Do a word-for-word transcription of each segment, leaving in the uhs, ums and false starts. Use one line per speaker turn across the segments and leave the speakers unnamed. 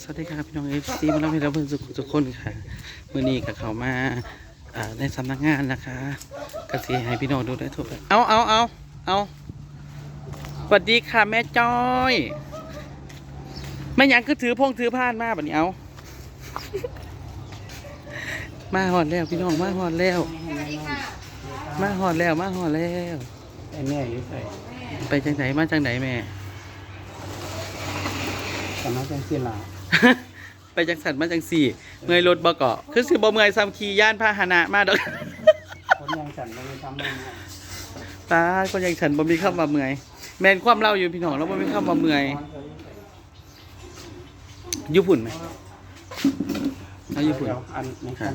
วัสดีครับพี่น้องเอฟซีมาเล่าให้เราเพื่อนสุขทุกคนค่ะมื่อนี้กับเขามาในสำนักงานนะคะกสิให้พี่น้องดูได้ทั่วไปเอาเอาเอาเอาสวัสดีค่ะแม่จ้อยแม่ยังคือถือพงถือผ้านมาแบบนี้เอามาหอดแล้วพี่น้องมาหอดแล้วมาหอดแล้วมาหอดแล้ว
ไอ้แม่อยู่ใส่
ไปจังไหนมาจังไหนแม่
สำนักจังซี่ล่ะ
ไปจังสันมาจังสี่เมื่อยรถบ่เกาะคือสิบ่เมื่อยซ้ำขี่ย่านพาหนะมาดอก
คนยังฉันบ่มีทำมา
ตาคนอย่างฉันบ่มีคำว่าเมื่อยแม่นความเล่าอยู่พี่น้องแล้วบ่มีคำว่าเมื่อยญี่ปุ่นไหมเอาญี่ปุ่น
อันนี้ครับ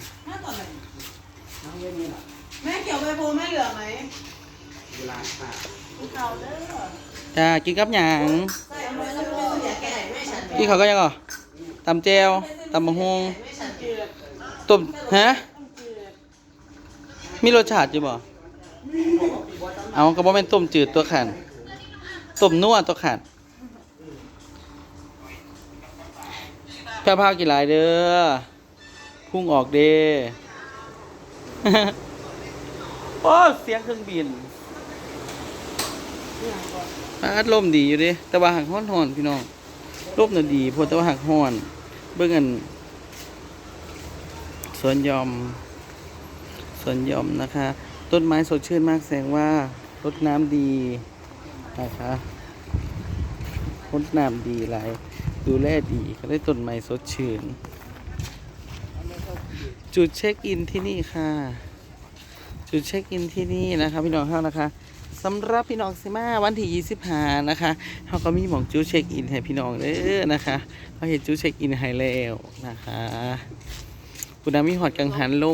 แม่เกี่ยวใบโพแม่เหลือไหม
เวลาค่ะ
เขาเด้อ
จ้ากินกับหยัง
ใส่เอาไว้แล้วก็อย่าแก่แม่ฉัน
พี่เขาก็ยังก่อตำแจวตำมะฮง
แม่ฉันเจือ
ต้มฮะมีรสชาติอยู่บ่เอาก็บ่แม่นต้มจืดตัวขันต้มนัวตัวขันแพ้พาวกี่หลายเด้อพุ่งออกเด้โอ้เสียงเครื่องบินพัดลมดีอยู่ดิแต่ว่าหักห้อนหอนพี่น้องลมน่ะดีพอแต่ว่าหักห้อนเบิ่งกันสวนยอมสวนยอมนะคะ ต้นไม้สดชื่นมากแสดงว่ารดน้ำดีนะคะรดน้ำดีหลายดูแลดีก็ได้ต้นไม้สดชื่นจุดเช็คอินที่นี่ค่ะจุดเช็คอินที่นี่นะคะพี่น้องเฮานะคะสำหรับพี่น้องสิมาวันที่ยี่สิบห้านะคะเขาก็มีหม่องจุดเช็คอินให้พี่น้องเด้อนะคะเขาเห็นจุดเช็คอินให้แล้วนะคะคุณนามีหอดกังหันลม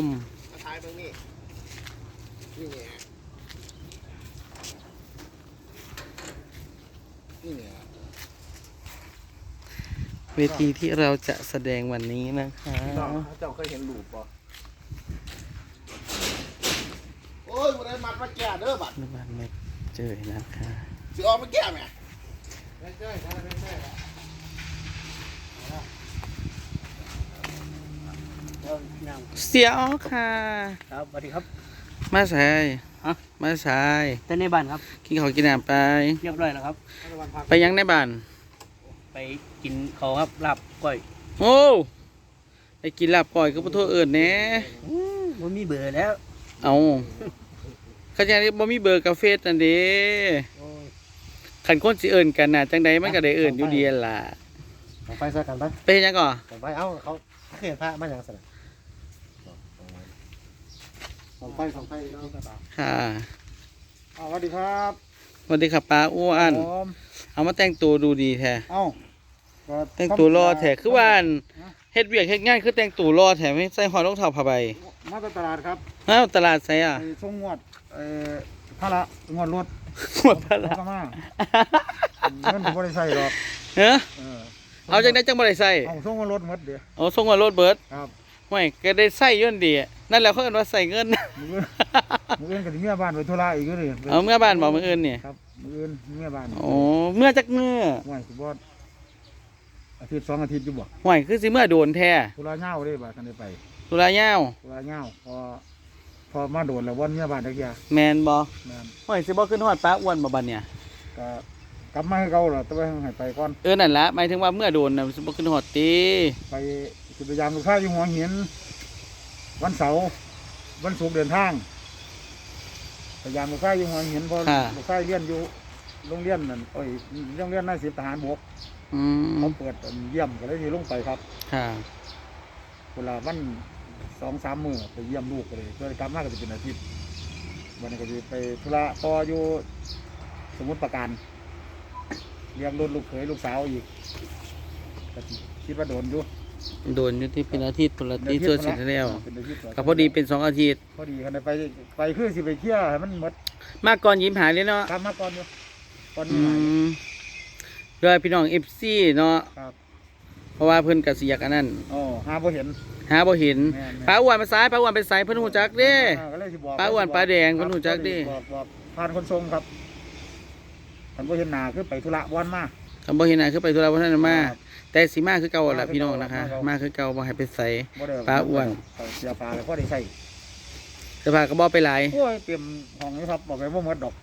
เวทีที่เราจะแสดงวันนี้นะคะ
เจ้าเคยเห็นรูปป่ะโอ้ยบ่ได้มัดมาแก่เด้อบัด
น้ำมันไม่เจอนะคะ
สิออกมาแก่แม่ไม่ใช่ไม่ใช่
เสียอ๋อค่ะ
ครับสวัสดีครับ
มาสาย
ฮะ
มาสาย
แต่ในบ้านครับ
กินข้าวกินน้ำไป
เรียบร้อยแล้วครับ
ไปยังในบ้าน
ไปกินเขาครับลาบก้อย
โอ้ไปกินลาบก่อยก็บ่โทษเอิ้นแหน่
มันมีเบื่อแล้ว
เอาเขาจะบ่มีเบอร์กาเฟสนั่นเด้คันคนสิเอิ้นกันน่ะจังใดมันก็ได้เอิ้นอยู่ดีล่ะ
ส่องไฟใส่กันไป
ไปเฮ็ดหยังก่อ
ส่องไฟเอ้าเขาเขียนพระมาอย่างสนะส่องไฟส่องไฟเนาะ
ค่ะ
สวัสดีครับ
สวัสดีครับป้าอ้วน
ผม
เอามาแต่งตัวดูดีแท้
เอ้า
แต่งตัวรอแท้คือว่าอั่นเฮ็ดเวียกเฮ็ดงานคือแต่งตัวรอแท้ไม่ใส่หอยรองเท้าผ้าใบ
มาจากตลาดครับ
อ้าวตลาดไสอ่ะ
ไปส่งงวดเอ่อพระละงวดรถ
หมดตลาด
ก็มาเงินผมบ่ได้ใส่หรอก
เฮ้อ
เออ
เอาจังได๋จังบ่ได้ใส่
เอาส่งงวดรถหมดเดี๋ยว
เอาส่งว่ารถเบิด
ครับ
ไม่ก็ได้ใส่ย่นดีนั่นแหละเขาเอิ้นว่าใส่เงิน
มือมืออื่นก็สิเมียบ้านไปธุระอีกอยู่เลย
เอาเมื่อบ้านบอกมื้ออื่นนี่
ครับมืออื่นเมียบ้าน
โอ้เมื่อจักเมื่อ
ห่วยสิบ่อาทิตย์สองอาทิตย์อยู่บ่
ห่วยคือสิเมื่อโดนแท้
ธุระยาวเลยบ่ากันได้ไป
ตุลายาว
ธุระยาวพอพอมาโดนแล้ววันเมียบ้านตะเกีย
แมนบ่
แม่น
ห่วยสิบ่ขึ้นฮอดป้าอ้วนบ่บัดเนี่ย
ก็กลับมาให้เก่าล่ะแต่ว่าให้ไปก่อน
เออนั่นล่ะหมายถึงว่าเมื่อโดนน่ะสิบ่ขึ้นฮอดติ
ไปสิพยายามลูกค้าอยู่หัวหินวันเสาร์วันศุกร์เดินทางพยายามลูกค้าอยู่หัวหินเพอลูกค้าเรียนอยู่โรงเรียนนั่นเอ้ยโรงเรียนนายสิบทหารบก
อืม
เขาเปิดเยี่ยมก็เลยที่ลงไปครับ
ค่ะ
เวลาวันสองสามมื้อไปเยี่ยมลูกก็เลยเพื่อกลับมาก็จะเป็นอาทิตย์วันนี้ก็จะไปธุระต่ออยู่สมุทรปราการเลี้ยงรุ่นลูกเขยลูกสาวอีกก็สิคิดว่าโดนอยู่
โดนอยู่ที่เป็นอาทิตย์พุ่นละที่ชั่วสิแล้ว
เป็นอาทิตย์
ก็พอดีเป็นสองอาทิตย์
พอดีกันไปไปคือสิไปเที่ยวให้มันหมด
มาก่อนยิ้มหายเลยเนาะ
ทำมาก่อนอยู่ก่อน
อื
นี้หลาย
มโดยพี่น้อง เอฟ ซี เนาะ
ครับ
เพราะว่าเพิ่นก็สิอยากอันนั้น
อ๋อหาบ่เห็น
หาบ่เห็น
แม่นๆ
ป้าอ้วนมาซ้ายป้าอ้วนไปไสเพิ่นฮู้จักเด้
อ่าก็เลยสิบอก
ปลาอ้วนปลาแดงเพิ่นรู้จักดิ
บอกบอกผ่านคนทรงครับท่านบ่เห็นหน้าคือไปธุระวันมา
คำบ่เห็นหน้าคือไปธุระบ่ทันได้มาแต่สิมาคือเก่าแหละพี่น้องนะคะ มาคือเก่าบ่ให้ไปใส่
บ่ได้
ปลาอ้วน
เอาเสียปลาแล้วก็ได้ใส่
เสื้อผ้าก็บ่ไปหลาย
โอ้ยเตรียมห้องนี้ครับบอกไปว่าหมดดอก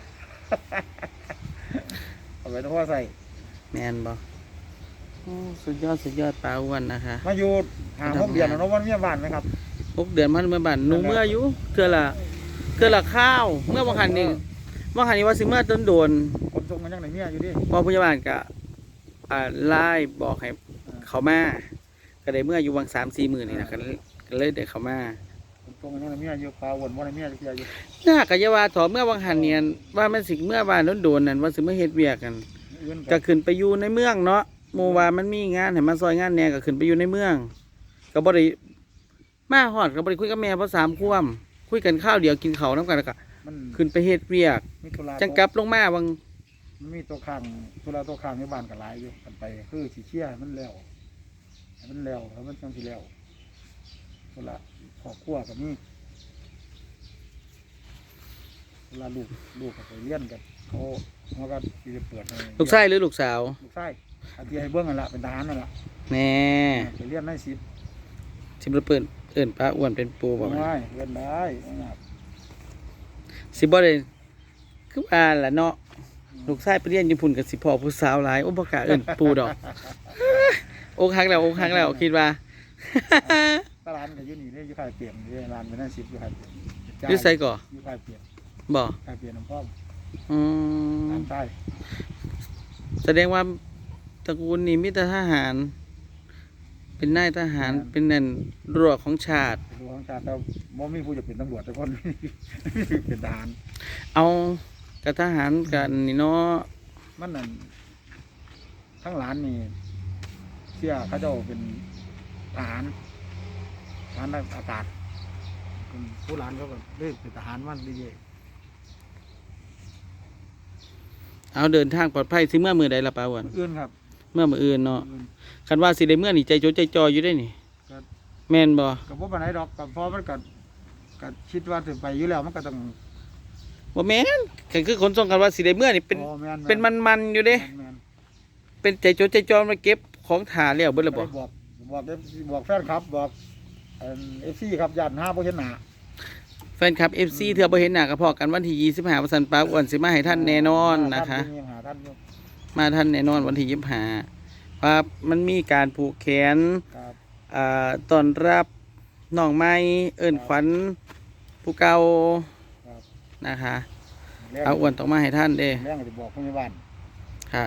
เอาไปต้องว่าใส่
แม่นบ่โอ้สุดยอดสุดยอดปลาอ้วนนะคะ
มาอยู่หาหกเดือนแล้วเนาะวันเมียบ้านไหมครับ
หกเดือนมันเมื่อบ้านหนูเมื่ออยู่เทื่อละเทื่อละข้าว เมื่อบางคันนี่บางคันนี่ว่าสิเมื่อต้นโดน
คนส่งกันยังไหนเมียอยู่ดิ
พอพยาบาลก็อ่าไล่บอกให้เขามาก็ได้เมื่ออยู่วังสามสี่หมื่นนี่นะก็เลยก็เลยได้เขามา
คนส่งกันยังไหนเมียอยู่ปลาอ้วนว่าไหนเมียจะเสียอยู่
น่ากะยาวาถอเมื่อบางหันเนี่ยว่ามันสิเมื่อบ้านโดนๆนั่นว่าสิเมื่อเฮ็ดเวียกกัน
เอื้อน
ก็ขึ้นไปอยู่ในเมืองเนาะหมู่ว่ามันมีงานให้มาซอยงานแหน่ก็ขึ้นไปอยู่ในเมือง ก็บ่ได้มาฮอดก็บ่ได้คุยกับแม่เพราะสามควมคุยกันข้าวเดียวกินข้าวนํกันแล้วก็
มัน
ขึ้นไปเฮ็ดเวียก
มีธุระ
จังกลับลงมาบาง
มันมีตัวข้างธุระตัวข้างในบ้านกับหลายอยู่กันไปคือสีเชี่ยให้มันแล้วให้มันแล้วแล้วมันจังสิแล้วธุระครอบครัวกับนี่เวลาลูกลูกก็ไปเรียนกันเขาเขาก็สิได้เปิดให้
ลูกชายหรือลูกสาว
ลูกชายอาที่ให้เบื้องนั่นแหละเป็นทหารนั่นแหละ
แหน่
ไปเรียนได้สิบ
สิบ่เปิ้นเอิ้นป้าอ้วนเป็นปูบ่
ได้เรียนได้นะครับ
สิบ่ได้คือว่าล่ะเนาะลูกชายไปเรียนญี่ปุ่นก็สิพ่อผู้สาวหลายโอ้บ่กล้าเอิ้นปูดอก อกหักแล้วอกหักแล้วคิดว่า
ตลาดกับยูนี่เนี่ยยูขายเปลี่ยนเนี่ยร้านเป็นนั่นสิบยูขายเปลี่ยน
อยู่ไสก่อ
ยูขายเปลี่ยน
บ่
ขายเปลี่ยนน้ำพ่อม
อืม
ร้านใต้
แสดงว่าตระกูลนี้มีแต่ทหาร เป็นนายทหารเป็นนั่นรั้วของชาติ
ดูของชาติแต่บ่มีผู้จะเป็นตำรวจแต่คน เป็นทหาร
เอากับทหารกันนี่เนาะ
มันนั่นทั้งร้านนี่เชื่อเขาเจ้าเป็นทหารทหารอากาศเป็นผู้ร้านเขาก็ได้เป็นทหารมันดีเย
เอาเดินทางปลอดภัยสิเมื่อมือใดละป้าอ้วน
อื่นครับ
เมื่อมืออื่นเนาะ
อื่น
คันว่าสิได้เมื่อนี่ใจโจใจจออยู่ได้นี่
ก็
แม่นบ่
กับพวกปันไหนดอกกับพอมันก็ก็คิดว่าถึงไปอยู่แล้วมันก็ต้อง
บ่แม่นก็คือคนส่งกันว่าสิได้เมื่อนี่เป็น
อ๋อแม่
เป็นมันๆอยู่เด้
แม่น
เป็นใจโจใจจอมาเก็บของถ่าแล้วเบิด
ๆ
และบ่
บอกบอกบอกแฟนครับบอกเอฟซีครับยันห้าเปอร์เซ็นต์หนา
แฟนคลับ เอฟ ซี เทื่อบ่เห็นหน้าก็พอกันวันที่ยี่สิบห้าวันสันป้าอ้วนสิมาให้ท่านแน่นอนนะคะ
ท่ายังหาท่านอยู่
มาท่านแน่นอนวันที่ยี่สิบห้าว่ามันมีการผูกแขน
ครับ
อ่าต้อนรับน้องใหม่เอิ้นขวัญผู้เก่า
ครับ
นะคะ
แรง
เอาอ้วนต้องมาให้ท่านเด้
แรงก็จะบอกพยาบาล
ค่ะ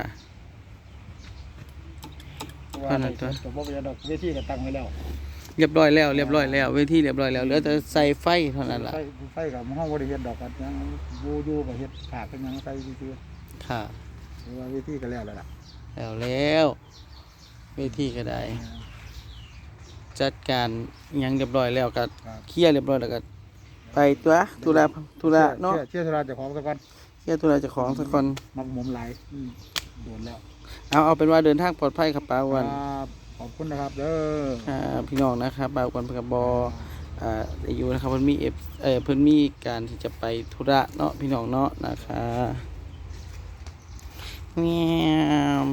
ว่า
เท่านั้นตัว
แต่บอกไปดอกเวทีก็ตั้งไว้แล้ว
เรียบร้อยแล้วเรียบร้อยแล้วเวทีเรียบร้อยแล้วเหลือแต่ใส่ไฟเท่านั้นล่ะ
ไฟไฟกับห้องบริเวณดอกกันยังยูยูกับเฮ็ดขาดเป็นหยังไฟซื่อ
ค่ะ
ๆหรือว่าเวทีก็แล้วแล้วล่ะ
แล้วแล้วเวทีก็ได้ จัดการหยังเรียบร้อยแล้วก็
ครับ
เคลียร์เรียบร้อยแล้วก็ไปตัวธุระธุระเนาะ
เชื่อเชื่อธุระเจะของสักวัน
เคลียร์ธุระเจ้าของสักคน
มักหมมหลายอืมโดนแล้ว
เอาเอาเป็นว่าเดินทางปลอดภัยครับป้าอ้วน
ครับขอบคุณนะครับเด้อ
ครับพี่น้องนะครับป้าอ้วนเพิ่นก็บ่อ่าได้อยู่นะครับเพิ่นมีเอฟเอ่อเพิ่นมีการที่จะไปธุระเนาะพี่น้องเนาะนะคะแง่ม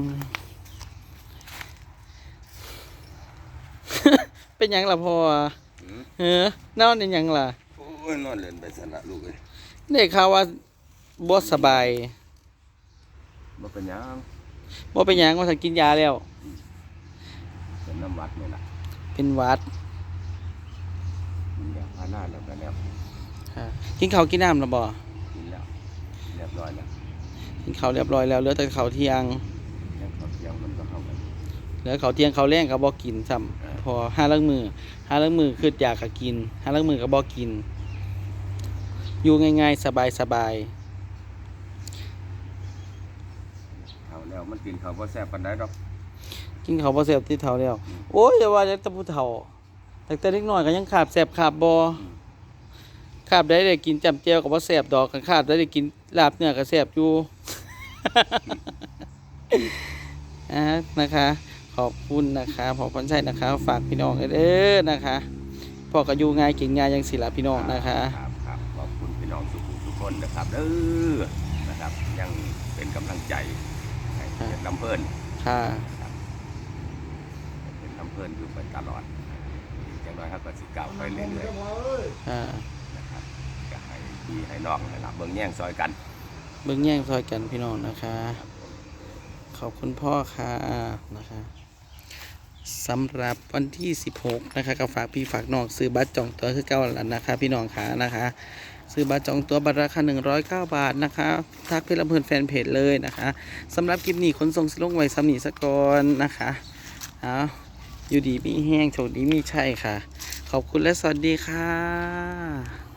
เป็นหยังล่ะพ่อเออนอนเป็นหยังล่ะ
โอ้ยนอนเล่นไปสนะลูกเอ้ย
ได้ข่าวว่าบ่สบาย
บ่เป็นหยัง
บ่เป็นหยังว่าสันกินยาแล้ว
เป็นน้ำวัดนี่ล่ะ
เป็นหวัด
กินยาพาราแล้วก็แล้ว
ค่ะกินข้าวกินน้ำแล้วบ่
กินแล้วเรียบร้อยแล้ว
กินข้าวเรียบร้อยแล้วเหลือแต่ข้าวเที่ยง
แล้วข้าวเที่ยงมันก็เข้ากัน
เหลือข้าวเที่ยงข้าวแรงก็บ่กินซ้ำพอห้าลังมือห้าลังมือคืออยากก็กินห้าลังมือก็บ่กิน อยู่ง่ายๆสบาย
เข้าแล้วมันกินข้าวบ่แซ่บปานใดดอก
ๆกินข้าวบ่แซ่บที่เฒ่าแล้ว โอ้ยอย่าว่าแต่ผู้เฒ่าแต่แต่เล็กน้อยก็ยังขาบแซ่บขาบบ่ขาบได้ได้กินจำแจ่วก็บ่แซ่บดอกคันขาบได้ได้กินลาบเนื้อก็แซ่บอยู่ อ่านะคะ ขอบคุณนะคะขอบคุณใช่นะคะ ฝากพี่น้องเด้อนะคะพ่อก็อยู่ง่ายเก่งง่ายยังสิละพี่น้องนะคะ
ครับครับขอบคุณพี่น้องทุกทุกคนนะครับเด้อนะครับยังเป็นกำลังใจให้เพชรลำเพิ่น
ค่ะ
นะครับลินอยู่ไปตลอดอย่างน้อยครับก็สิก้าวไปเรื่อย
อ่า
ๆนะครับก็ให้พี่ให้น้องให้รับเบิ่งแย่งซอยกัน
เบิ่งแย่งซอยกันพี่น้องนะคะ ขอบคุณพ่อค่ะนะคะสำหรับวันที่สิบหกนะคะก็ฝากพี่ฝากน้องซื้อบัตรจองตัวคือเก้าแล้วนะคะพี่น้องค่ะนะคะซื้อบัตรจองตัวบัตรราคาหนึ่งร้อยเก้าบาทนะคะทักเพจลำเพลินแฟนเพจเลยนะคะสำหรับคลิปนี้ขนส่งสิลงไว้สำนีสกอนนะคะเอาอยู่ดีมีแห้งโชคดีมีชัยค่ะ ขอบคุณและสวัสดีค่ะ